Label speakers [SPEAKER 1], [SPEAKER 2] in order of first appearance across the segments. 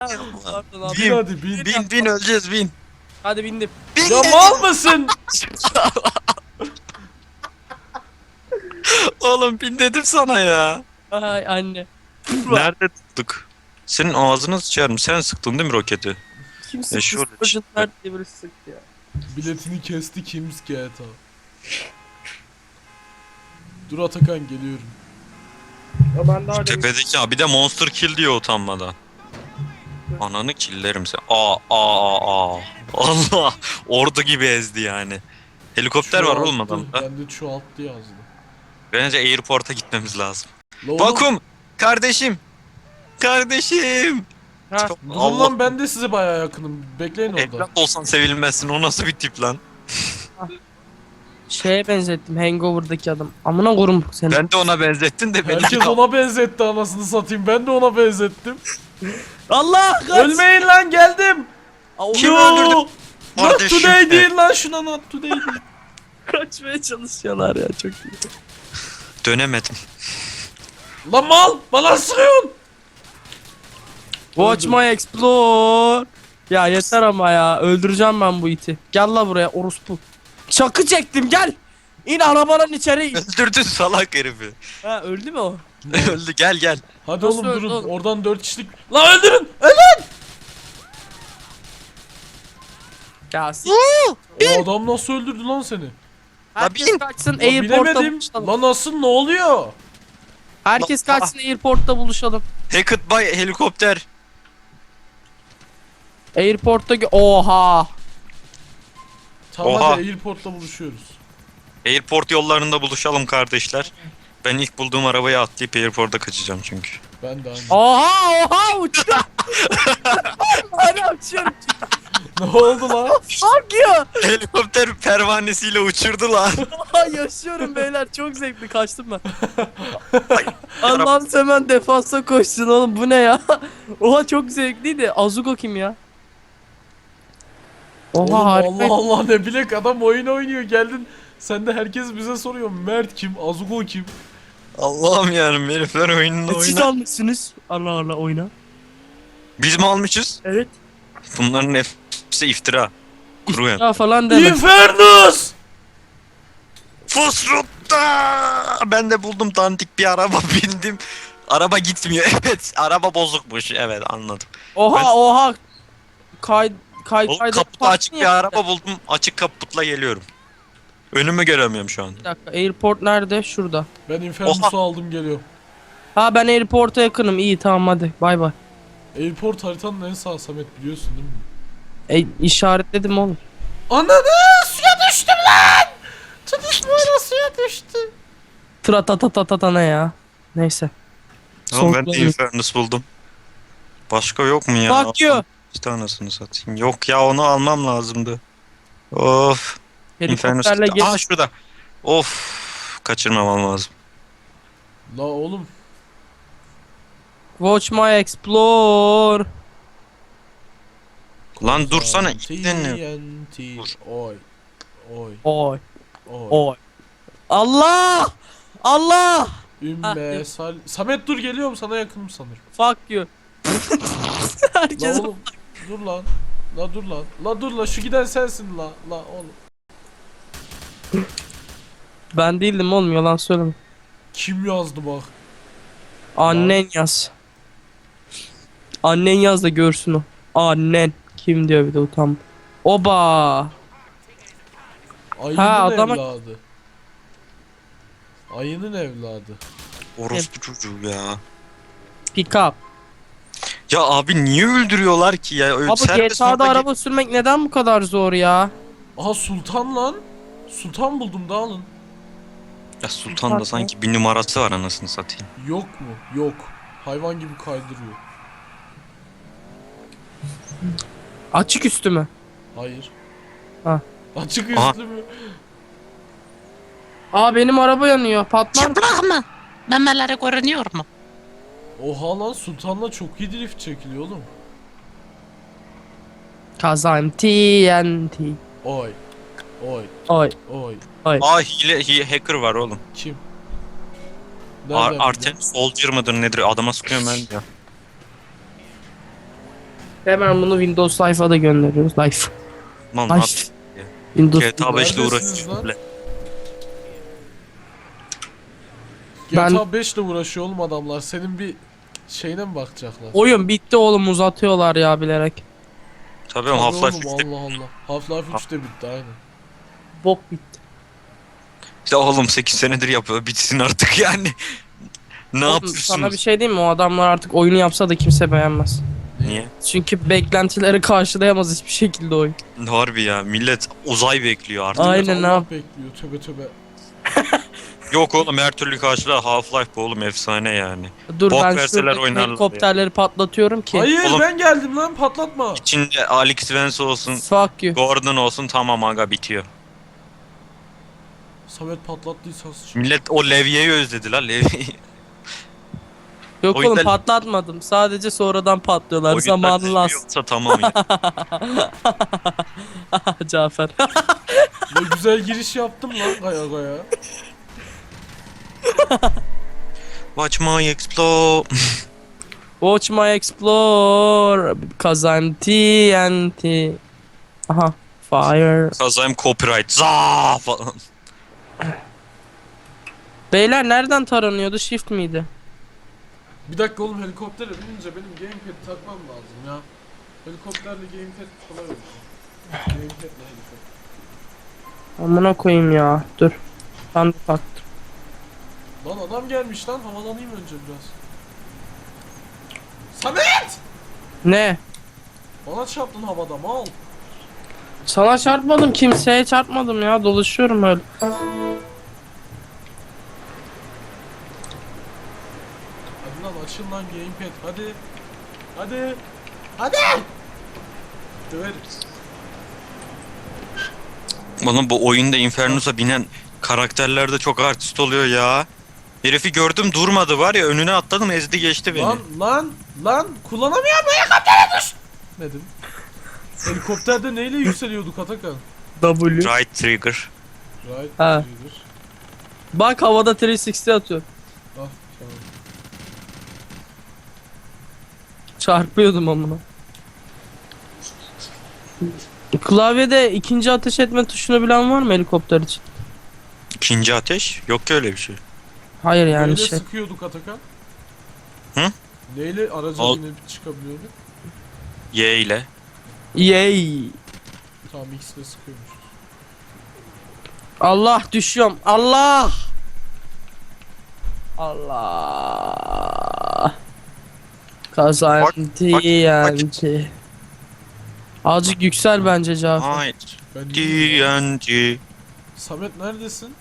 [SPEAKER 1] Pardon abi.
[SPEAKER 2] Bin hadi bin.
[SPEAKER 3] Bin öleceğiz bin.
[SPEAKER 1] Hadi bindim.
[SPEAKER 3] Bin
[SPEAKER 2] Ya mal mısın?
[SPEAKER 3] Oğlum bin dedim sana ya.
[SPEAKER 1] Ay anne.
[SPEAKER 3] Nerede tuttuk? Senin ağzını sıçarım. Sen sıktın değil mi roketi?
[SPEAKER 1] Kim sıktı?
[SPEAKER 3] şöyle
[SPEAKER 1] Spurgeon nerede diye birisi sıktı ya.
[SPEAKER 2] Biletini kesti Kim's GTA. Dur Atakan geliyorum.
[SPEAKER 1] Ya ben daha
[SPEAKER 3] Tepedeki abi de monster kill diyor utanmadan. Ananı killerim sen. Aa. Allah. Ordu gibi ezdi yani. Helikopter var oğlum
[SPEAKER 2] Çoğalttı.
[SPEAKER 3] adamda.
[SPEAKER 2] Ben de çoğalttı yazdı.
[SPEAKER 3] Bence airport'a gitmemiz lazım.
[SPEAKER 2] La oğlum,
[SPEAKER 3] Vakum! Kardeşim! Kardeşim!
[SPEAKER 1] Ha.
[SPEAKER 3] Çok-
[SPEAKER 2] durun
[SPEAKER 3] Allah
[SPEAKER 2] lan ben de size bayağı yakınım. Bekleyin orada.
[SPEAKER 3] evlat olsan sevilmezsin. O nasıl bir tip lan?
[SPEAKER 1] Şeye benzettim Hangover'daki adam. Amına korum seni.
[SPEAKER 3] Ben de ona benzettin de beni.
[SPEAKER 2] Herkes ona benzetti anasını satayım. Ben de ona benzettim.
[SPEAKER 1] Allah kaç.
[SPEAKER 2] Ölmeyin lan geldim.
[SPEAKER 3] Kim
[SPEAKER 2] Yo!
[SPEAKER 3] öldürdü?
[SPEAKER 2] Not
[SPEAKER 3] Kardeşim
[SPEAKER 2] today
[SPEAKER 3] de.
[SPEAKER 2] değil lan şuna not today değil.
[SPEAKER 1] Kaçmaya çalışıyorlar ya çok iyi.
[SPEAKER 3] Dönemedim.
[SPEAKER 2] Lan mal bana sıkıyorsun.
[SPEAKER 1] Watch my explore. Ya yeter ama ya. Öldüreceğim ben bu iti. Gel la buraya orospu. Çakı çektim gel. İn arabanın içeri.
[SPEAKER 3] Öldürdün salak herifi.
[SPEAKER 1] Ha öldü mü o?
[SPEAKER 3] Öldü gel.
[SPEAKER 2] Hadi
[SPEAKER 1] Nasıl
[SPEAKER 2] oğlum
[SPEAKER 1] öldü
[SPEAKER 2] durun
[SPEAKER 1] oğlum?
[SPEAKER 2] oradan 4 kişilik. Lan öldürün. Ölün.
[SPEAKER 1] Ya siz.
[SPEAKER 2] O adam nasıl öldürdü lan seni?
[SPEAKER 1] Herkes
[SPEAKER 3] bin.
[SPEAKER 1] kaçsın
[SPEAKER 2] Lan
[SPEAKER 1] airport'ta
[SPEAKER 2] bilemedim.
[SPEAKER 1] buluşalım.
[SPEAKER 2] Lan nasıl ne oluyor?
[SPEAKER 1] Herkes
[SPEAKER 3] Lan-
[SPEAKER 1] kaçsın airport'ta buluşalım.
[SPEAKER 3] Hackett by helikopter.
[SPEAKER 1] Airport'ta oha.
[SPEAKER 2] Tamam
[SPEAKER 3] Oha.
[SPEAKER 2] hadi airport'ta buluşuyoruz.
[SPEAKER 3] Airport yollarında buluşalım kardeşler. Ben ilk bulduğum arabaya atlayıp airport'a kaçacağım çünkü.
[SPEAKER 2] Ben de aynı.
[SPEAKER 1] Oha uçuyor. Hala uçuyorum.
[SPEAKER 2] Ne oldu lan?
[SPEAKER 1] Fuck you.
[SPEAKER 3] Helikopter pervanesiyle uçurdu lan.
[SPEAKER 1] Oha yaşıyorum beyler çok zevkli kaçtım ben. Allah'ım hemen defansa koşsun oğlum bu ne ya? Oha çok zevkliydi. Azuko kim ya? Oha
[SPEAKER 2] Oğlum,
[SPEAKER 1] harika.
[SPEAKER 2] Allah Allah ne bilek adam oyun oynuyor geldin. Sen de herkes bize soruyor. Mert kim? Azuko kim?
[SPEAKER 3] Allah'ım yarım herifler oyununu
[SPEAKER 1] Siz
[SPEAKER 3] oyna.
[SPEAKER 1] almışsınız. Allah Allah oyna.
[SPEAKER 3] Biz mi almışız?
[SPEAKER 1] Evet.
[SPEAKER 3] Bunların hepsi iftira. Kuru yani.
[SPEAKER 1] Ya falan deme.
[SPEAKER 2] Infernus!
[SPEAKER 3] Fosrutta! Ben de buldum dandik bir araba bindim. Araba gitmiyor. Evet, araba bozukmuş. Evet, anladım.
[SPEAKER 1] Oha oha. Kay
[SPEAKER 3] Oğlum
[SPEAKER 1] kayda
[SPEAKER 3] kaputu açık bir araba buldum. Açık kaputla geliyorum. Önümü göremiyorum şu an.
[SPEAKER 1] Bir dakika airport nerede? Şurada.
[SPEAKER 2] Ben Infernus'u
[SPEAKER 3] Oha.
[SPEAKER 2] aldım geliyorum.
[SPEAKER 1] Ha ben airport'a yakınım. İyi tamam hadi. Bay bay.
[SPEAKER 2] Airport haritanın en sağ Samet biliyorsun değil mi?
[SPEAKER 1] İşaretledim oğlum.
[SPEAKER 2] Ananı suya düştüm lan! Tutuşmayla suya düştü.
[SPEAKER 1] Tratatatatata ne ya? Neyse.
[SPEAKER 3] Tamam ben de
[SPEAKER 1] Son-
[SPEAKER 3] Infernus buldum. Başka yok mu ya?
[SPEAKER 1] Fuck you.
[SPEAKER 3] Bir tanesini satayım. Yok ya onu almam lazımdı. Of. Infernus.
[SPEAKER 1] Helikopterle
[SPEAKER 3] gitti.
[SPEAKER 1] gel.
[SPEAKER 3] Aa şurada. Of. Kaçırmamam lazım.
[SPEAKER 2] La oğlum.
[SPEAKER 1] Watch my explore.
[SPEAKER 3] Lan dursana,
[SPEAKER 2] TNT.
[SPEAKER 3] Dur.
[SPEAKER 2] Oy. Oy.
[SPEAKER 1] Oy
[SPEAKER 2] Oy.
[SPEAKER 1] oy. Allah! Allah!
[SPEAKER 2] Ümme sal... Samet dur geliyorum sana yakınım sanırım.
[SPEAKER 1] Fuck you.
[SPEAKER 2] La
[SPEAKER 1] Herkes
[SPEAKER 2] oğlum. Dur lan. La dur lan. La dur la şu giden sensin la. La oğlum.
[SPEAKER 1] ben değildim oğlum yalan söyleme.
[SPEAKER 2] Kim yazdı bak.
[SPEAKER 1] Annen yaz. Annen yaz da görsün o. Annen. Kim diyor bir de utan. Oba.
[SPEAKER 2] Ayının
[SPEAKER 1] Ha, adama-
[SPEAKER 2] evladı. Ayının evladı.
[SPEAKER 3] Orospu çocuğu ya.
[SPEAKER 1] Pick up.
[SPEAKER 3] Ya abi niye öldürüyorlar ki ya?
[SPEAKER 1] Abi
[SPEAKER 3] Serbest
[SPEAKER 1] GTA'da
[SPEAKER 3] moda
[SPEAKER 1] araba sürmek neden bu kadar zor ya?
[SPEAKER 2] Aha Sultan lan. Sultan buldum da alın.
[SPEAKER 3] Ya Sultan'da sanki bir numarası var anasını satayım.
[SPEAKER 2] Yok mu? Yok. Hayvan gibi kaydırıyor.
[SPEAKER 1] Açık üstü mü?
[SPEAKER 2] Hayır.
[SPEAKER 1] Ha.
[SPEAKER 2] Açık
[SPEAKER 3] Aha.
[SPEAKER 2] üstlü mü?
[SPEAKER 1] Aa benim araba yanıyor. Patlar mı?
[SPEAKER 4] Çıplak mı? Memeleri görünüyor mu?
[SPEAKER 2] Oha lan Sultan'la çok iyi drift çekiliyor oğlum.
[SPEAKER 1] Kazan TNT.
[SPEAKER 2] Oy. Oy.
[SPEAKER 1] Oy.
[SPEAKER 2] Oy.
[SPEAKER 3] Aa hacker var oğlum.
[SPEAKER 2] Kim? Nereden
[SPEAKER 3] Artem Soldier mıdır nedir? Adama sıkıyorum ben ya.
[SPEAKER 1] Hemen bunu Windows sayfada gönderiyoruz. Life.
[SPEAKER 3] Lan
[SPEAKER 1] Ay.
[SPEAKER 3] at.
[SPEAKER 1] Windows.
[SPEAKER 3] GTA 5 ile
[SPEAKER 2] Neredesiniz lan?
[SPEAKER 3] uğraşıyor.
[SPEAKER 1] Ben-
[SPEAKER 2] GTA 5 ile uğraşıyor oğlum adamlar. Senin bir şeyine mi bakacaklar?
[SPEAKER 1] Oyun bitti oğlum, uzatıyorlar ya bilerek.
[SPEAKER 3] Tabii
[SPEAKER 2] Tabii
[SPEAKER 3] Half-Life
[SPEAKER 2] oğlum,
[SPEAKER 3] 3'te.
[SPEAKER 2] Allah Allah. Half-Life 3 de bitti aynen.
[SPEAKER 1] Bok bitti.
[SPEAKER 3] İşte oğlum 8 senedir yapıyor. Bitsin artık yani. Ne
[SPEAKER 1] Oğlum,
[SPEAKER 3] yapıyorsunuz?
[SPEAKER 1] sana bir şey diyeyim mi? O adamlar artık oyunu yapsa da kimse beğenmez.
[SPEAKER 3] Niye?
[SPEAKER 1] Çünkü beklentileri karşılayamaz hiçbir şekilde oyun.
[SPEAKER 3] Harbi ya. Millet uzay bekliyor artık.
[SPEAKER 1] Aynen, ne
[SPEAKER 2] Allah
[SPEAKER 1] yap-
[SPEAKER 2] bekliyor tövbe tövbe.
[SPEAKER 3] Yok oğlum her türlü karşılar Half-Life bu oğlum efsane yani.
[SPEAKER 1] Dur
[SPEAKER 3] Bok
[SPEAKER 1] ben
[SPEAKER 3] verseler
[SPEAKER 1] şuradaki
[SPEAKER 3] oynarlar
[SPEAKER 1] helikopterleri patlatıyorum ki.
[SPEAKER 2] Hayır
[SPEAKER 3] Oğlum-
[SPEAKER 2] ben geldim lan patlatma.
[SPEAKER 3] İçinde Alex Vance olsun,
[SPEAKER 1] Fuck you.
[SPEAKER 3] Gordon olsun tamam aga bitiyor.
[SPEAKER 2] Samet patlattıysa sıçın.
[SPEAKER 3] Millet o levyeyi özledi la levyeyi.
[SPEAKER 1] Yok
[SPEAKER 3] O yüzden-
[SPEAKER 1] oğlum patlatmadım. Sadece sonradan patlıyorlar. Zamanı lazım.
[SPEAKER 3] Yoksa tamam ya.
[SPEAKER 1] Cafer.
[SPEAKER 2] Ne güzel giriş yaptım lan gaya gaya.
[SPEAKER 3] Watch my explode.
[SPEAKER 1] Watch my explore. Kazan TNT. Aha. Fire.
[SPEAKER 3] Kazayım copyright. Za falan.
[SPEAKER 1] Beyler nereden taranıyordu? Shift miydi?
[SPEAKER 2] Bir dakika oğlum helikoptere binince benim gamepad takmam lazım ya. Helikopterle gamepad kolay olur. Gamepadle helikopter.
[SPEAKER 1] Amına koyayım ya. Dur. Ben de taktım.
[SPEAKER 2] Lan adam gelmiş lan havalanayım önce biraz. Samet!
[SPEAKER 1] Ne?
[SPEAKER 2] Bana çarptın havada mal.
[SPEAKER 1] Sana çarpmadım. Kimseye çarpmadım ya. Dolaşıyorum öyle.
[SPEAKER 2] Hadi lan açın lan gamepad hadi. Hadi. Hadi. Döveriz.
[SPEAKER 3] Oğlum bu oyunda Infernus'a binen karakterler de çok artist oluyor ya. Herifi gördüm durmadı var ya önüne atladım ezdi geçti beni.
[SPEAKER 2] Lan kullanamıyorum helikoptere düş. Dedim. Helikopterde neyle yükseliyorduk Atakan?
[SPEAKER 1] W.
[SPEAKER 3] Right trigger.
[SPEAKER 2] Right.
[SPEAKER 1] Ha.
[SPEAKER 2] iyidir.
[SPEAKER 1] Bak havada 360 atıyor.
[SPEAKER 2] Ah tamam.
[SPEAKER 1] Çarpıyordum amına. Klavyede ikinci ateş etme tuşunu bilen var mı helikopter için?
[SPEAKER 3] İkinci ateş? Yok ki öyle bir şey.
[SPEAKER 1] Hayır yani
[SPEAKER 2] Neyle
[SPEAKER 1] şey.
[SPEAKER 2] sıkıyorduk Atakan?
[SPEAKER 3] Hı?
[SPEAKER 2] Neyle araca
[SPEAKER 3] Al.
[SPEAKER 2] binip çıkabiliyorduk?
[SPEAKER 3] Y ile.
[SPEAKER 1] Yay.
[SPEAKER 2] Tamam ikisine sıkıyormuş.
[SPEAKER 1] Allah düşüyorum. Allah. Allah. Kazan
[SPEAKER 3] bak.
[SPEAKER 1] TNT. Azıcık yüksel bence Cafer.
[SPEAKER 3] Hayır.
[SPEAKER 2] Ben iyiyim.
[SPEAKER 3] TNT.
[SPEAKER 2] Samet neredesin?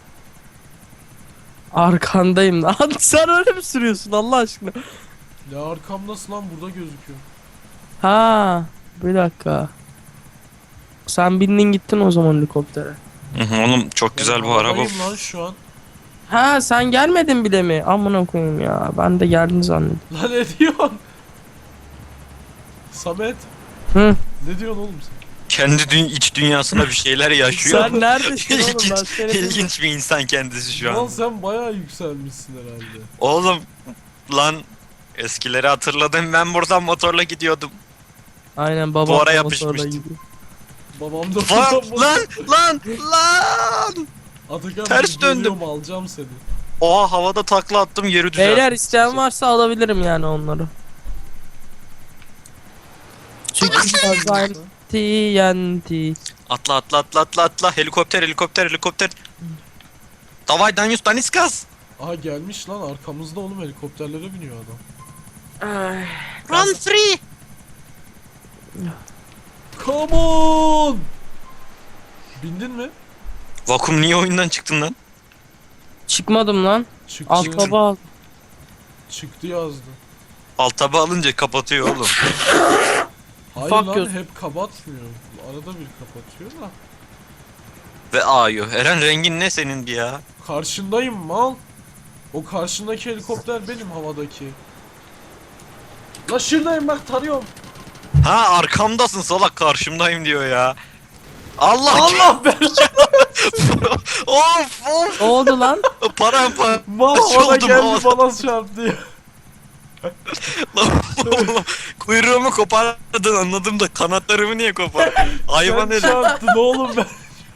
[SPEAKER 1] Arkandayım lan. Sen öyle mi sürüyorsun Allah aşkına?
[SPEAKER 2] Ya arkamdasın lan burada gözüküyor.
[SPEAKER 1] Ha, bir dakika. Sen bindin gittin o zaman helikoptere.
[SPEAKER 3] Hı hı, oğlum çok güzel bu araba.
[SPEAKER 2] havadayım lan şu an.
[SPEAKER 1] Ha, sen gelmedin bile mi? Amına koyayım ya. Ben de geldin zannettim.
[SPEAKER 2] Lan ne diyorsun? Samet.
[SPEAKER 1] Hı.
[SPEAKER 2] Ne diyorsun oğlum sen?
[SPEAKER 3] Kendi iç dünyasına bir şeyler yaşıyor.
[SPEAKER 1] Sen neredesin oğlum? Ben
[SPEAKER 3] İlginç,
[SPEAKER 1] seni
[SPEAKER 3] ilginç bir insan kendisi şu
[SPEAKER 2] Lan
[SPEAKER 3] an.
[SPEAKER 2] sen bayağı yükselmişsin herhalde.
[SPEAKER 3] Oğlum lan eskileri hatırladım ben buradan motorla gidiyordum.
[SPEAKER 1] Aynen babam.
[SPEAKER 3] Duvara
[SPEAKER 1] da
[SPEAKER 3] yapışmıştı.
[SPEAKER 1] motorla gidiyor.
[SPEAKER 2] Babam da
[SPEAKER 3] Lan!
[SPEAKER 2] Atakan
[SPEAKER 3] Ters
[SPEAKER 2] ben
[SPEAKER 3] döndüm.
[SPEAKER 2] geliyorum, alacağım seni.
[SPEAKER 3] Oha havada takla attım yeri düzelttim.
[SPEAKER 1] Beyler isteyen varsa alabilirim yani onları. Çünkü kazan TNT.
[SPEAKER 3] Atla helikopter. Davay Danius Daniskas.
[SPEAKER 2] Aha gelmiş lan arkamızda oğlum helikopterlere biniyor adam.
[SPEAKER 4] Run free.
[SPEAKER 2] Come on! Bindin mi?
[SPEAKER 3] Vakum niye oyundan çıktın lan?
[SPEAKER 1] Çıkmadım lan.
[SPEAKER 2] Çıktı.
[SPEAKER 1] Alt taba al.
[SPEAKER 2] Çıktı yazdı.
[SPEAKER 3] Alt taba alınca kapatıyor oğlum.
[SPEAKER 2] Hayır
[SPEAKER 1] Fuck
[SPEAKER 2] lan
[SPEAKER 1] you.
[SPEAKER 2] hep kapatmıyor. Arada bir kapatıyor da.
[SPEAKER 3] Ve ağıyor. Eren rengin ne senin bir ya?
[SPEAKER 2] Karşındayım mal. O karşındaki helikopter benim havadaki. La şuradayım bak tarıyorum.
[SPEAKER 3] Ha arkamdasın salak karşımdayım diyor ya. Allah
[SPEAKER 2] Allah ben
[SPEAKER 3] of
[SPEAKER 1] Ne oldu lan?
[SPEAKER 3] paramparça
[SPEAKER 2] mal havada
[SPEAKER 3] oldum
[SPEAKER 2] geldi
[SPEAKER 3] havada.
[SPEAKER 2] bana çarptı.
[SPEAKER 3] Lan oğlum, kuyruğumu kopardın anladım da kanatlarımı niye kopardın? Hayvan
[SPEAKER 2] Sen
[SPEAKER 3] herif.
[SPEAKER 2] çarptın oğlum ben.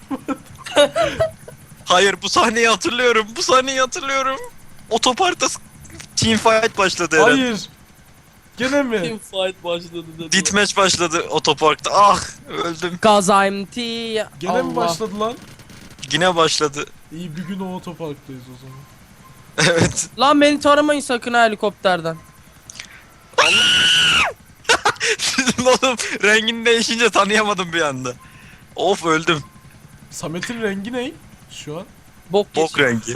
[SPEAKER 3] Hayır bu sahneyi hatırlıyorum. Bu sahneyi hatırlıyorum. Otoparkta teamfight başladı herhalde.
[SPEAKER 2] Hayır. Gene mi?
[SPEAKER 1] Team fight başladı dedi.
[SPEAKER 3] Deathmatch başladı otoparkta. Ah öldüm.
[SPEAKER 1] Cause I'm T.
[SPEAKER 2] Gene mi başladı lan?
[SPEAKER 3] Yine başladı.
[SPEAKER 2] İyi bir gün o otoparktayız o zaman.
[SPEAKER 3] Evet.
[SPEAKER 1] Lan beni taramayın sakın ha helikopterden.
[SPEAKER 3] Oğlum rengin değişince tanıyamadım bir anda. Of öldüm.
[SPEAKER 2] Samet'in rengi ne? Şu an.
[SPEAKER 1] Bok
[SPEAKER 3] Bok rengi.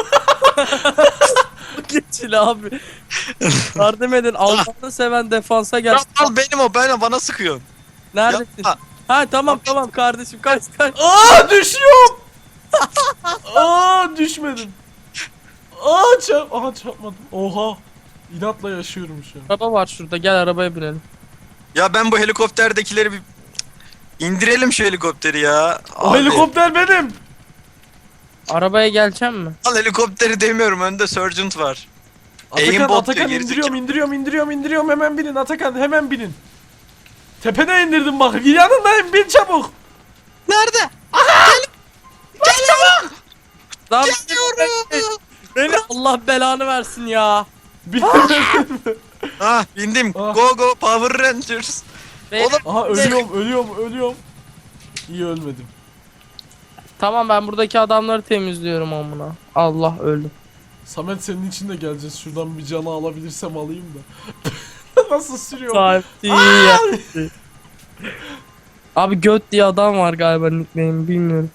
[SPEAKER 1] geçil abi. Yardım edin. Allah'ını seven defansa gel.
[SPEAKER 3] Al benim o bana sıkıyorsun.
[SPEAKER 1] Neredesin?
[SPEAKER 3] Yapma.
[SPEAKER 1] Ha tamam tamam kardeşim kaç.
[SPEAKER 2] Aa düşüyorum. Aa düşmedim. Aha çarpmadım. Oha. İnatla yaşıyorum şu an.
[SPEAKER 1] Araba var şurada gel arabaya binelim.
[SPEAKER 3] Ya ben bu helikopterdekileri bir indirelim şu helikopteri ya.
[SPEAKER 2] O
[SPEAKER 3] Abi,
[SPEAKER 2] helikopter benim.
[SPEAKER 1] Arabaya geleceğim mi?
[SPEAKER 3] Al helikopteri demiyorum önde Sergeant var.
[SPEAKER 2] Atakan,
[SPEAKER 3] bot
[SPEAKER 2] Atakan
[SPEAKER 3] diyor,
[SPEAKER 2] indiriyorum hemen binin Atakan hemen binin. Tepene indirdim bak yanındayım bin çabuk.
[SPEAKER 3] Nerede?
[SPEAKER 1] Lan beni Allah belanı versin ya.
[SPEAKER 2] Binemedin mi?
[SPEAKER 3] Ah bindim.
[SPEAKER 2] Ah.
[SPEAKER 3] Go go Power Rangers.
[SPEAKER 1] Beni-
[SPEAKER 3] Oğlum
[SPEAKER 2] Aha ölüyorum. İyi ölmedim.
[SPEAKER 1] Tamam ben buradaki adamları temizliyorum amına. Allah öldüm.
[SPEAKER 2] Samet senin için de geleceğiz. Şuradan bir canı alabilirsem alayım da. Nasıl sürüyor?
[SPEAKER 1] Saati ya. Abi göt diye adam var galiba nickname bilmiyorum.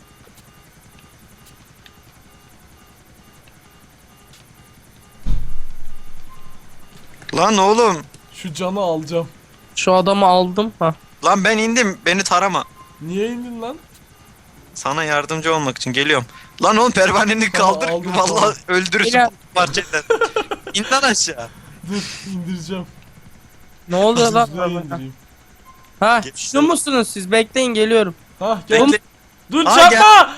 [SPEAKER 3] lan oğlum.
[SPEAKER 2] Şu canı alacağım.
[SPEAKER 1] Şu adamı aldım ha.
[SPEAKER 3] Lan ben indim. Beni tarama.
[SPEAKER 2] Niye indin lan?
[SPEAKER 3] Sana yardımcı olmak için geliyorum. Lan oğlum pervaneni
[SPEAKER 2] Tamam,
[SPEAKER 3] kaldır.
[SPEAKER 2] aldım,
[SPEAKER 3] Vallahi
[SPEAKER 2] tamam.
[SPEAKER 3] öldürürsün
[SPEAKER 1] Yine-
[SPEAKER 3] bu parçadan. İn lan aşağı.
[SPEAKER 2] Dur indireceğim.
[SPEAKER 1] Ne oluyor lan?
[SPEAKER 2] Hızlıya indireyim.
[SPEAKER 1] Ha
[SPEAKER 3] Geç.
[SPEAKER 1] şu musunuz siz? Bekleyin geliyorum.
[SPEAKER 2] Hah gel.
[SPEAKER 3] Bekle.
[SPEAKER 2] Dur
[SPEAKER 3] Aa,
[SPEAKER 2] çarpma.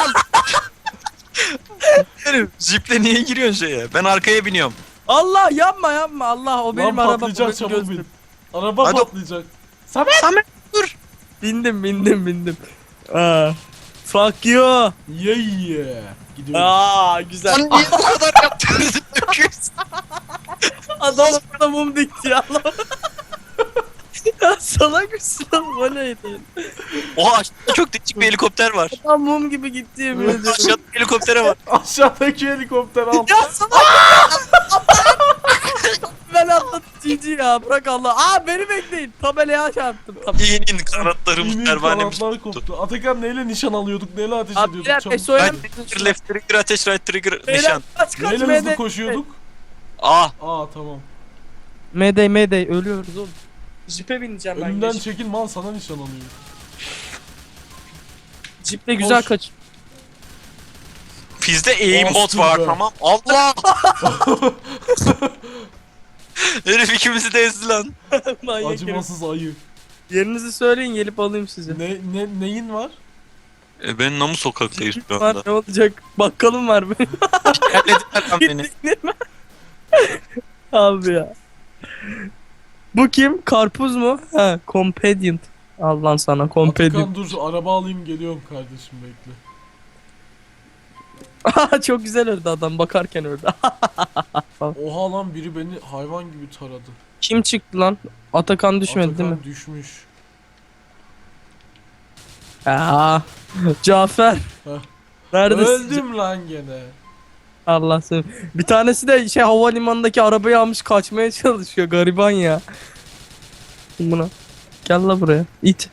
[SPEAKER 3] Herif, Jiple niye giriyorsun şeye? Ben arkaya biniyorum.
[SPEAKER 1] Allah yapma yapma Allah o benim
[SPEAKER 2] Lan
[SPEAKER 1] arabam.
[SPEAKER 2] patlayacak
[SPEAKER 1] o benim
[SPEAKER 2] çabuk
[SPEAKER 1] gözüm.
[SPEAKER 2] bin. Araba
[SPEAKER 3] Hadi.
[SPEAKER 2] patlayacak. Samet.
[SPEAKER 3] Samet dur.
[SPEAKER 1] Bindim. Fuck you.
[SPEAKER 2] Yeah. Gidiyorum.
[SPEAKER 1] Güzel.
[SPEAKER 3] Lan niye bu kadar yaptın?
[SPEAKER 1] Adam da mum dikti ya lan. Ya salak mısın oğlum o neydi?
[SPEAKER 3] Oha aşağıda çok değişik bir helikopter var.
[SPEAKER 1] Adam mum gibi gitti yemin ediyorum.
[SPEAKER 3] Aşağıda bir helikoptere var.
[SPEAKER 2] Aşağıdaki helikopter al.
[SPEAKER 1] Ya salak ben atladım GG ya bırak Allah. Beni bekleyin. Tabelaya çarptım.
[SPEAKER 3] İnin kanatlarım
[SPEAKER 2] İnin
[SPEAKER 3] pervanemiz
[SPEAKER 2] kanatlar
[SPEAKER 3] koptu.
[SPEAKER 2] koptu. Atakan neyle nişan alıyorduk? Neyle ateş
[SPEAKER 1] Abi
[SPEAKER 2] ediyorduk?
[SPEAKER 1] birer
[SPEAKER 2] Çabuk.
[SPEAKER 1] SO'ya
[SPEAKER 3] Ben trigger, left trigger, ateş, right trigger,
[SPEAKER 1] Beyler
[SPEAKER 3] nişan.
[SPEAKER 1] kaç
[SPEAKER 2] Neyle
[SPEAKER 1] Mayday.
[SPEAKER 2] hızlı koşuyorduk?
[SPEAKER 3] Ah
[SPEAKER 2] Tamam.
[SPEAKER 1] Mayday ölüyoruz oğlum. Jipe bineceğim ben.
[SPEAKER 2] Önümden
[SPEAKER 1] geç.
[SPEAKER 2] çekil mal sana nişan alıyor.
[SPEAKER 1] Jiple güzel
[SPEAKER 2] Koş.
[SPEAKER 1] kaç.
[SPEAKER 3] bizde aimbot
[SPEAKER 2] Bastım
[SPEAKER 3] var
[SPEAKER 2] be.
[SPEAKER 3] tamam. Allah! Herif ikimizi de ezdi lan.
[SPEAKER 1] Manyak herif.
[SPEAKER 2] Acımasız ayı.
[SPEAKER 1] Yerinizi söyleyin gelip alayım sizi.
[SPEAKER 2] Neyin var?
[SPEAKER 3] Ben Namu sokaktayız şu
[SPEAKER 1] Var
[SPEAKER 3] anda.
[SPEAKER 1] ne olacak? Bakkalım var benim.
[SPEAKER 3] Yerlediler lan beni.
[SPEAKER 1] Abi ya. Bu kim? Karpuz mu? Ha, companion. Al lan sana companion.
[SPEAKER 2] Atakan dur araba alayım geliyorum kardeşim bekle.
[SPEAKER 1] Çok güzel öldü adam bakarken öldü.
[SPEAKER 2] Oha lan biri beni hayvan gibi taradı.
[SPEAKER 1] Kim çıktı lan? Atakan düşmedi
[SPEAKER 2] Atakan
[SPEAKER 1] değil mi?
[SPEAKER 2] düşmüş.
[SPEAKER 1] Cafer.
[SPEAKER 2] Heh.
[SPEAKER 1] Neredesin?
[SPEAKER 2] Öldüm lan gene.
[SPEAKER 1] Allah seni. Bir tanesi de havalimanındaki arabayı almış kaçmaya çalışıyor gariban ya. Buna. Gel la buraya. İt.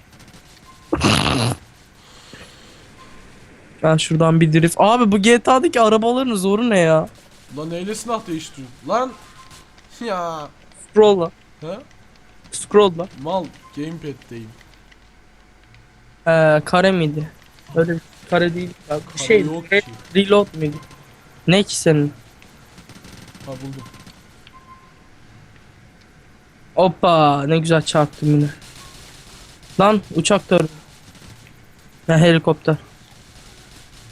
[SPEAKER 1] Ben şuradan bir drift. Abi bu GTA'daki arabaların zoru ne ya?
[SPEAKER 2] Lan neyle silah değiştiriyor? Lan. Ya.
[SPEAKER 1] Scroll'la.
[SPEAKER 2] He?
[SPEAKER 1] Scroll'la.
[SPEAKER 2] Mal gamepad'deyim.
[SPEAKER 1] Kare miydi? Öyle bir kare değil. Ya.
[SPEAKER 2] Kare
[SPEAKER 1] Şey,
[SPEAKER 2] yok ki.
[SPEAKER 1] reload muydu? Ne ki senin?
[SPEAKER 2] Ha buldum.
[SPEAKER 1] Hoppa ne güzel çarptım yine. Lan uçak da ya helikopter.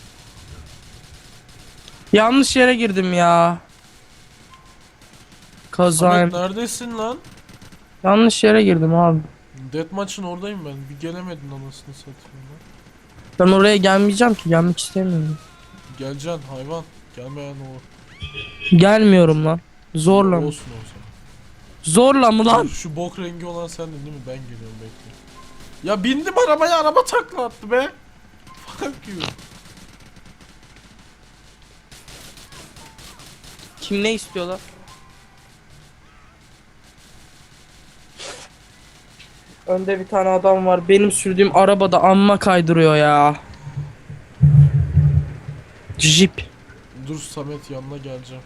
[SPEAKER 1] Yanlış yere girdim ya. Kazayım.
[SPEAKER 2] Samet neredesin lan?
[SPEAKER 1] Yanlış yere girdim abi.
[SPEAKER 2] Deathmatch'ın oradayım ben. Bir gelemedin anasını satayım lan.
[SPEAKER 1] Ben oraya gelmeyeceğim ki. Gelmek istemiyorum.
[SPEAKER 2] Geleceksin hayvan. Gelmeyen o.
[SPEAKER 1] Gelmiyorum lan. Zorla mı?
[SPEAKER 2] Olsun o zaman.
[SPEAKER 1] Zorla mı lan?
[SPEAKER 2] Şu bok rengi olan sendin değil mi? Ben geliyorum bekle. Ya bindim arabaya, araba takla attı be. Fuck you.
[SPEAKER 1] Kim ne istiyorlar? Önde bir tane adam var. Benim sürdüğüm arabada amma kaydırıyor ya. Jeep.
[SPEAKER 2] Dur Samet, yanına geleceğim.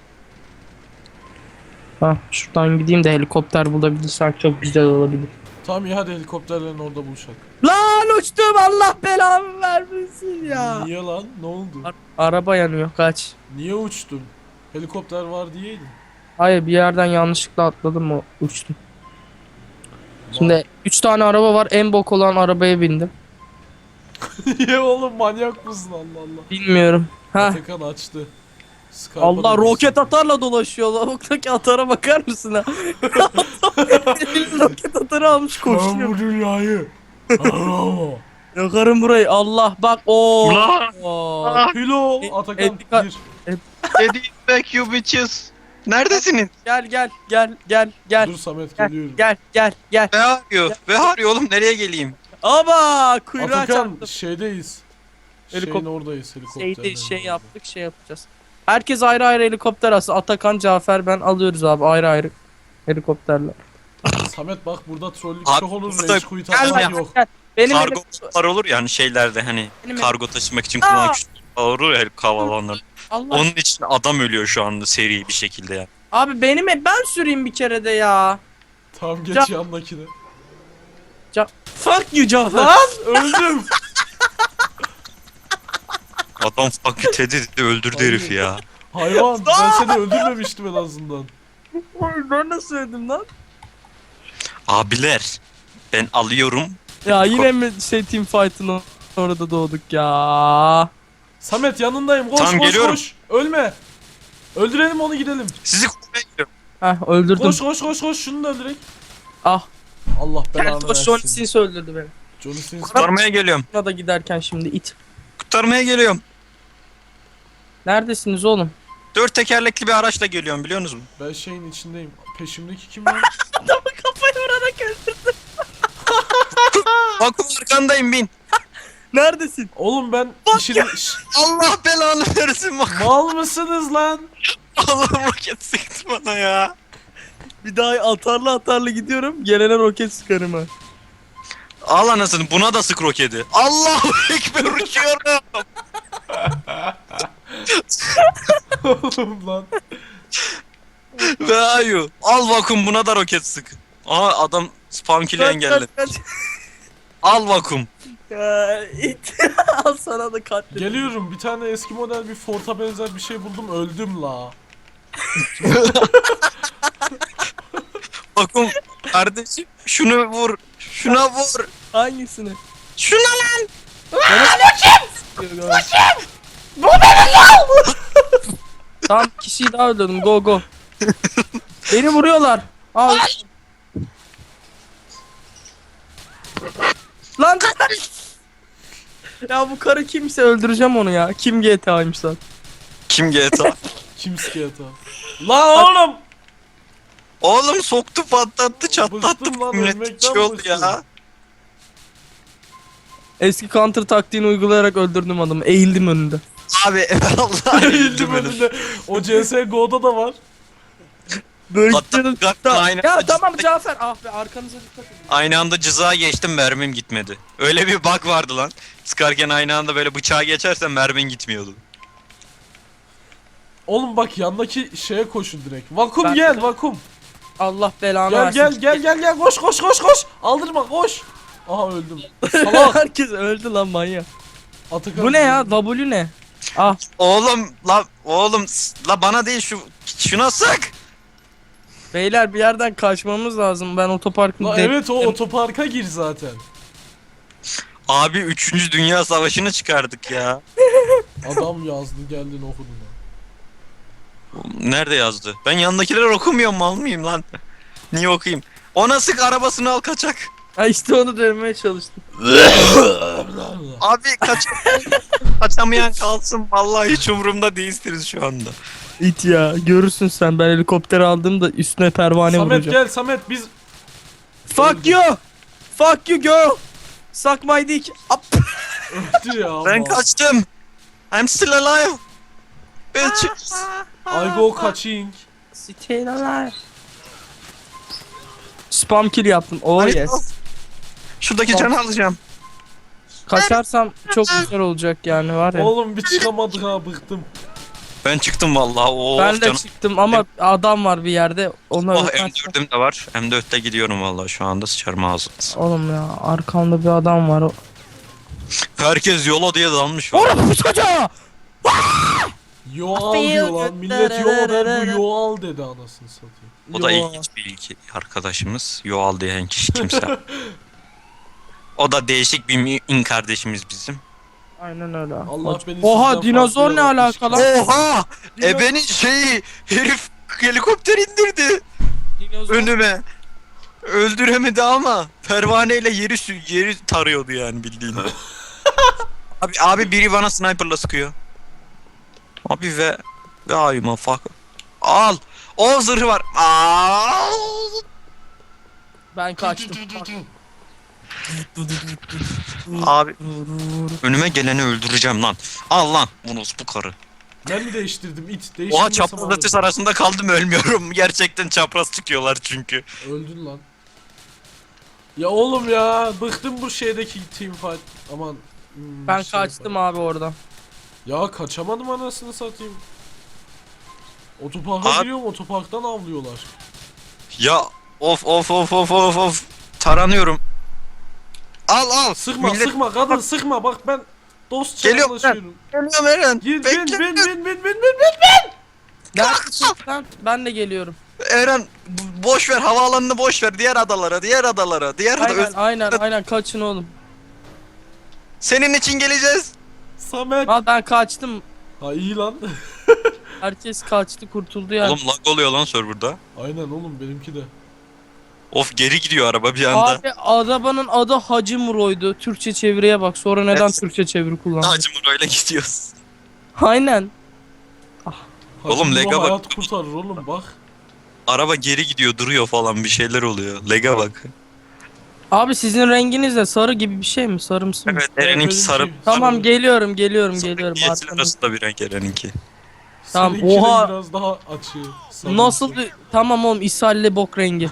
[SPEAKER 1] Ha, şuradan gideyim de helikopter bulabilirsen çok güzel olabilir.
[SPEAKER 2] Tamam ya, hadi helikopterlerin orada buluşalım.
[SPEAKER 1] Lan uçtum, Allah belamı vermesin ya.
[SPEAKER 2] Niye lan? Ne oldu?
[SPEAKER 1] Araba yanıyor, kaç.
[SPEAKER 2] Niye uçtun? Helikopter var diyeydin.
[SPEAKER 1] Hayır, bir yerden yanlışlıkla atladım, o uçtum. Şimdi 3 tane araba var, en bok olan arabaya bindim.
[SPEAKER 2] Niye oğlum, manyak mısın Allah Allah.
[SPEAKER 1] Bilmiyorum. Ha.
[SPEAKER 2] Atakan açtı. Skype'a
[SPEAKER 1] Allah,
[SPEAKER 2] da
[SPEAKER 1] roket
[SPEAKER 2] girsin.
[SPEAKER 1] atarla dolaşıyor. Lavuktaki atara bakar mısın ha? Roket atarı almış
[SPEAKER 2] Ben
[SPEAKER 1] koşuyor.
[SPEAKER 2] bu dünyayı. Bravo.
[SPEAKER 1] Yakarım burayı. Allah bak o.
[SPEAKER 3] Ulan!
[SPEAKER 2] Hilo
[SPEAKER 1] E-
[SPEAKER 2] Atakan
[SPEAKER 1] Etika-
[SPEAKER 2] gir.
[SPEAKER 3] Eddie back you bitches. Neredesiniz?
[SPEAKER 1] Gel.
[SPEAKER 2] Dur Samet,
[SPEAKER 1] Gel,
[SPEAKER 2] geliyorum.
[SPEAKER 1] gel.
[SPEAKER 3] Ve arıyor. Ve arıyor oğlum, nereye geleyim?
[SPEAKER 1] Aba kuyruğa
[SPEAKER 2] Atakan
[SPEAKER 1] çarptım.
[SPEAKER 2] şeydeyiz.
[SPEAKER 1] Helikop-
[SPEAKER 2] Şeyin oradayız, helikopterlerin
[SPEAKER 1] Şey
[SPEAKER 2] orada.
[SPEAKER 1] yaptık, şey yapacağız. Herkes ayrı ayrı helikopter alsın. Atakan, Cafer, ben alıyoruz abi ayrı ayrı helikopterler.
[SPEAKER 2] Samet bak, burada trollük
[SPEAKER 3] Abi,
[SPEAKER 2] çok olur,
[SPEAKER 3] burada-
[SPEAKER 2] rage quit
[SPEAKER 1] Gel
[SPEAKER 2] atmak
[SPEAKER 1] lan,
[SPEAKER 2] yok.
[SPEAKER 1] gel. Benim
[SPEAKER 3] Kargo var olur ya hani şeylerde, hani
[SPEAKER 1] Benim-
[SPEAKER 3] kargo taşımak için kullanılan küçük olur ya havalanlar.
[SPEAKER 1] Allah.
[SPEAKER 3] Onun için adam ölüyor şu anda seri bir şekilde ya.
[SPEAKER 1] Abi ben süreyim bir kere de ya.
[SPEAKER 2] Tamam, geç
[SPEAKER 1] Ca-
[SPEAKER 2] yandakine.
[SPEAKER 1] Fuck you Cafer.
[SPEAKER 2] Lan öldüm.
[SPEAKER 3] Adam fucking Teddy dedi, öldürdü herifi ya.
[SPEAKER 2] Hayvan, ben seni öldürmemiştim en azından.
[SPEAKER 1] Ben nasıl söyledim lan?
[SPEAKER 3] Abiler, ben alıyorum.
[SPEAKER 1] Ya yine mi team fight'ın orada doğduk ya.
[SPEAKER 2] Samet yanındayım, koş
[SPEAKER 3] Tamam,
[SPEAKER 2] koş
[SPEAKER 3] geliyorum.
[SPEAKER 2] koş. Ölme. Öldürelim onu, gidelim.
[SPEAKER 3] Sizi kurmaya gidiyorum.
[SPEAKER 1] Heh, öldürdüm.
[SPEAKER 2] Koş şunu da öldürek.
[SPEAKER 1] Ah.
[SPEAKER 2] Allah
[SPEAKER 1] Gel
[SPEAKER 2] belanı
[SPEAKER 1] koş, Johnny
[SPEAKER 2] versin.
[SPEAKER 1] Sins öldürdü beni.
[SPEAKER 2] Johnny Sins.
[SPEAKER 3] Kurtarmaya geliyorum.
[SPEAKER 1] Buna da giderken şimdi it.
[SPEAKER 3] Kurtarmaya geliyorum.
[SPEAKER 1] Neredesiniz oğlum?
[SPEAKER 3] 4 tekerlekli bir araçla geliyorum, biliyor musunuz?
[SPEAKER 2] Ben şeyin içindeyim. Peşimdeki kim lan?
[SPEAKER 1] Adamı kafayı vurarak öldürdüm.
[SPEAKER 3] Bakın arkandayım, bin.
[SPEAKER 1] Neredesin?
[SPEAKER 2] Oğlum ben işini...
[SPEAKER 3] Allah belanı versin bak.
[SPEAKER 2] Mal mısınız lan?
[SPEAKER 3] Allah roket sıktı bana ya.
[SPEAKER 1] Bir daha atarlı gidiyorum. Gelene roket sıkarım ha.
[SPEAKER 3] Al anasını, buna da sık roketi. Allahu ekber, uçuyorum.
[SPEAKER 2] Oğlum lan.
[SPEAKER 3] Ve ayu. Al vakum, buna da roket sık. Aha adam spam kill'i engelledi.
[SPEAKER 1] Kaç.
[SPEAKER 3] Al vakum.
[SPEAKER 1] Ya, it. Al sana da katledim.
[SPEAKER 2] Geliyorum, bir tane eski model bir Ford'a benzer bir şey buldum, öldüm la.
[SPEAKER 3] Vakum kardeşim, şunu vur. Şuna vur.
[SPEAKER 1] Hangisini?
[SPEAKER 3] Şuna lan.
[SPEAKER 1] Tamam, kişiyi daha öldürdüm. Go. Beni vuruyorlar. Al. Lan. Ya bu karı kimse, öldüreceğim onu ya. Kim GTA'ymış lan?
[SPEAKER 3] Kim GTA?
[SPEAKER 2] Kim skate lan oğlum!
[SPEAKER 3] Oğlum soktu, patlattı, çatlattı.
[SPEAKER 2] Bıktım lan,
[SPEAKER 3] Millet
[SPEAKER 2] ölmekten
[SPEAKER 3] şey oldu
[SPEAKER 2] bıktım.
[SPEAKER 3] ya.
[SPEAKER 1] Eski counter taktiğini uygulayarak öldürdüm adamı. Eğildim önünde.
[SPEAKER 3] Abi Allah
[SPEAKER 2] Eğildim önünde. O CSGO'da da var.
[SPEAKER 1] Böyle
[SPEAKER 3] Hatta
[SPEAKER 1] gidiyordum.
[SPEAKER 3] aynı
[SPEAKER 1] Ya
[SPEAKER 3] anda
[SPEAKER 1] tamam
[SPEAKER 3] cıza-
[SPEAKER 1] Cafer. Ah be, arkanıza dikkat edin.
[SPEAKER 3] Aynı anda cızağa geçtim, mermim gitmedi. Öyle bir bug vardı lan. Sıkarken aynı anda böyle bıçağı geçersen mermin gitmiyordu.
[SPEAKER 2] Oğlum bak, yandaki şeye koşun direkt. Vakum
[SPEAKER 1] Ben-
[SPEAKER 2] gel, vakum.
[SPEAKER 1] Allah belanı
[SPEAKER 2] Gel
[SPEAKER 1] versin.
[SPEAKER 2] gel koş. Aldırma, koş. Aha öldüm. Salak.
[SPEAKER 1] Herkes öldü lan manyak.
[SPEAKER 2] Atakan.
[SPEAKER 1] Bu ne ya? W ne? Ah.
[SPEAKER 3] Oğlum la bana değil, şuna sık.
[SPEAKER 1] Beyler bir yerden kaçmamız lazım. Ben otoparkın
[SPEAKER 2] La evet, o otoparka gir zaten.
[SPEAKER 3] Abi 3. Dünya Savaşı'nı çıkardık ya.
[SPEAKER 2] Adam yazdı, geldin okudun.
[SPEAKER 3] Nerede yazdı? Ben yanındakileri okumuyorum, mal mıyım lan? Niye okuyayım? Ona sık, arabasını al, kaçak.
[SPEAKER 1] Ha işte onu demeye çalıştım.
[SPEAKER 3] Abi kaçamayan kalsın, vallahi hiç umurumda değilsiniz şu anda.
[SPEAKER 1] İt ya, görürsün sen, ben helikopter aldığımda üstüne pervane
[SPEAKER 2] Samet
[SPEAKER 1] vuracağım.
[SPEAKER 2] gel Samet biz
[SPEAKER 1] Fuck you! Fuck you girl! Suck my dick! Up.
[SPEAKER 2] öldü ya.
[SPEAKER 3] Ben
[SPEAKER 2] Allah.
[SPEAKER 3] kaçtım. I'm still alive. Bitches.
[SPEAKER 2] I go kaçing.
[SPEAKER 1] Still alive. Spam kill yaptım. Oh
[SPEAKER 3] Hadi
[SPEAKER 1] yes.
[SPEAKER 3] al. Şuradaki canı alacağım.
[SPEAKER 1] Kaçarsam çok güzel olacak yani, var ya.
[SPEAKER 2] Oğlum bir çıkamadık ha, bıktım.
[SPEAKER 3] Ben çıktım vallahi. Oh,
[SPEAKER 1] Ben de
[SPEAKER 3] canım.
[SPEAKER 1] çıktım ama adam var bir yerde. Ona
[SPEAKER 3] Oh,
[SPEAKER 1] öpmezsem-
[SPEAKER 3] M4'üm de var. M4'te gidiyorum vallahi şu anda, sıçarım ağzınıza.
[SPEAKER 1] Oğlum ya, arkamda bir adam var.
[SPEAKER 3] Herkes yola diye dalmış var.
[SPEAKER 1] Oğlum bu çocuğa!
[SPEAKER 2] Yo al diyor lan. Millet yo der, bu yo al dedi anasını satayım.
[SPEAKER 3] O da
[SPEAKER 1] Yo.
[SPEAKER 3] ilginç bir ilki arkadaşımız. Yoal diyen kişi kimse. O da değişik bir in kardeşimiz bizim.
[SPEAKER 1] Aynen öyle.
[SPEAKER 2] Allah beni
[SPEAKER 1] Oha,
[SPEAKER 2] sizden
[SPEAKER 1] dinozor
[SPEAKER 2] farklı
[SPEAKER 1] ne
[SPEAKER 2] yaratmış
[SPEAKER 1] alaka
[SPEAKER 2] ki.
[SPEAKER 1] lan?
[SPEAKER 3] Oha! Ebenin şeyi, herif helikopter indirdi
[SPEAKER 1] Dinozor.
[SPEAKER 3] önüme. Öldüremedi ama pervaneyle yeri tarıyordu yani, bildiğin. abi biri bana sniperla sıkıyor. Abi ve ayıma fuck. Al. O zırhı var. Al.
[SPEAKER 1] Ben kaçtım.
[SPEAKER 3] Abi önüme geleni öldüreceğim lan. Al lan bunu, bu karı.
[SPEAKER 2] Ben mi değiştirdim it?
[SPEAKER 3] Oha,
[SPEAKER 2] Değiştirmesem
[SPEAKER 3] çapraz
[SPEAKER 2] alırdım.
[SPEAKER 3] ateş arasında kaldım, ölmüyorum. Gerçekten çapraz çıkıyorlar çünkü.
[SPEAKER 2] Öldün lan. Ya oğlum ya, bıktım bu şeydeki teamfight. Aman.
[SPEAKER 1] Ben
[SPEAKER 2] şey
[SPEAKER 1] kaçtım
[SPEAKER 2] yapar.
[SPEAKER 1] abi oradan.
[SPEAKER 2] Ya kaçamadım anasını satayım. Otoparka
[SPEAKER 3] Abi-
[SPEAKER 2] giriyorum, otoparktan avlıyorlar.
[SPEAKER 3] Ya of. Taranıyorum. Al.
[SPEAKER 2] Sıkma
[SPEAKER 3] Millet-
[SPEAKER 2] sıkma kadın sıkma, bak ben dostça
[SPEAKER 3] Geliyorum
[SPEAKER 2] anlaşıyorum.
[SPEAKER 3] Geliyorum Eren.
[SPEAKER 2] Gir
[SPEAKER 3] Bekle.
[SPEAKER 2] bin.
[SPEAKER 1] Neredesin lan? Ben de geliyorum.
[SPEAKER 3] Eren boş ver, havaalanını boş ver. Diğer adalara.
[SPEAKER 1] Aynen kaçın oğlum.
[SPEAKER 3] Senin için geleceğiz.
[SPEAKER 2] Samet.
[SPEAKER 1] Al, ben kaçtım.
[SPEAKER 2] Ha iyi lan.
[SPEAKER 1] Herkes kaçtı, kurtuldu yani.
[SPEAKER 3] Oğlum lag oluyor lan serverda.
[SPEAKER 2] Aynen oğlum, benimki de.
[SPEAKER 3] Of, geri gidiyor araba bir anda.
[SPEAKER 1] Abi arabanın adı Hacı Muro'ydu. Türkçe çeviriye bak. Sonra neden
[SPEAKER 3] Evet.
[SPEAKER 1] Türkçe çeviri kullandı?
[SPEAKER 3] Hacı öyle gidiyoruz.
[SPEAKER 1] Aynen.
[SPEAKER 3] Oğlum,
[SPEAKER 2] Hacı
[SPEAKER 3] lega
[SPEAKER 2] Baba
[SPEAKER 3] bak.
[SPEAKER 2] hayat kurtarır oğlum bak.
[SPEAKER 3] Araba geri gidiyor, duruyor falan, bir şeyler oluyor. Lega bak.
[SPEAKER 1] Abi sizin renginiz de sarı gibi bir şey mi? Sarımsı mı?
[SPEAKER 3] Evet, Eren'inki
[SPEAKER 2] benimki
[SPEAKER 3] sarı.
[SPEAKER 1] Tamam,
[SPEAKER 2] sarı.
[SPEAKER 1] geliyorum.
[SPEAKER 3] Yeşil
[SPEAKER 1] Arkamda.
[SPEAKER 3] arasında bir renk Eren'inki.
[SPEAKER 1] Tamam,
[SPEAKER 2] Seninkinin
[SPEAKER 1] oha.
[SPEAKER 2] biraz daha açığı. sarımsı.
[SPEAKER 1] Nasıl bir... Tamam oğlum, ishalli bok rengi.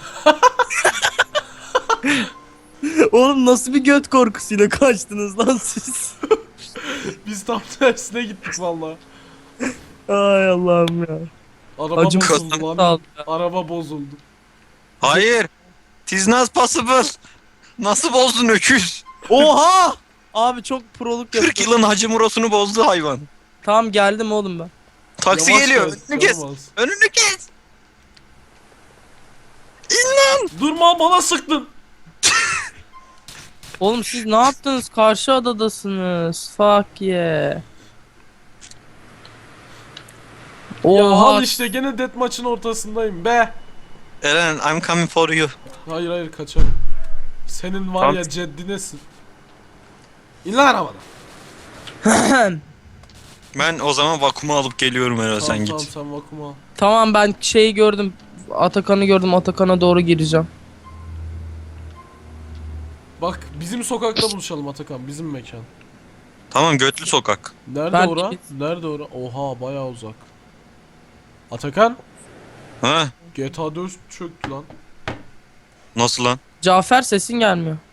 [SPEAKER 1] Oğlum nasıl bir göt korkusuyla kaçtınız lan siz?
[SPEAKER 2] Biz tam tersine gittik valla.
[SPEAKER 1] Ay Allah'ım ya.
[SPEAKER 2] Araba
[SPEAKER 1] Acım
[SPEAKER 2] bozuldu
[SPEAKER 1] sağ
[SPEAKER 2] lan.
[SPEAKER 1] ol ya.
[SPEAKER 2] Araba bozuldu.
[SPEAKER 3] Hayır. Tis not possible. Nasıl bozdun öküz?
[SPEAKER 1] Oha! Abi çok proluk
[SPEAKER 3] 40
[SPEAKER 1] yapıyor.
[SPEAKER 3] yılın Hacı Muros'unu bozdu hayvan.
[SPEAKER 1] Tamam, geldim oğlum ben.
[SPEAKER 3] Taksi
[SPEAKER 2] Yavaş
[SPEAKER 3] geliyor.
[SPEAKER 2] gel,
[SPEAKER 3] Önünü kes.
[SPEAKER 2] yavaş.
[SPEAKER 3] Önünü kes.
[SPEAKER 2] Durma, bana sıktın.
[SPEAKER 1] Oğlum siz ne yaptınız? Karşı adadasınız. Fuck yeah.
[SPEAKER 2] Ya
[SPEAKER 1] Oha.
[SPEAKER 2] al işte, gene death maçın ortasındayım be.
[SPEAKER 3] Eren, I'm coming for you.
[SPEAKER 2] Hayır kaçarım. Senin var
[SPEAKER 3] Tamam.
[SPEAKER 2] ya ceddinesin. İn lan arabadan.
[SPEAKER 3] Ben o zaman vakumu alıp geliyorum Eren, sen
[SPEAKER 2] Tamam
[SPEAKER 3] git.
[SPEAKER 2] sen vakuma al.
[SPEAKER 1] Tamam, ben şeyi gördüm. Atakan'ı gördüm. Atakan'a doğru gireceğim.
[SPEAKER 2] Bak bizim sokakta buluşalım Atakan, bizim mekan.
[SPEAKER 3] Tamam, Götlü Sokak.
[SPEAKER 2] Nerede
[SPEAKER 1] Ben-
[SPEAKER 2] ora? Nerede ora? Oha bayağı uzak. Atakan,
[SPEAKER 3] Ha?
[SPEAKER 2] GTA 4 çöktü lan.
[SPEAKER 3] Nasıl lan?
[SPEAKER 1] Cafer, sesin gelmiyor.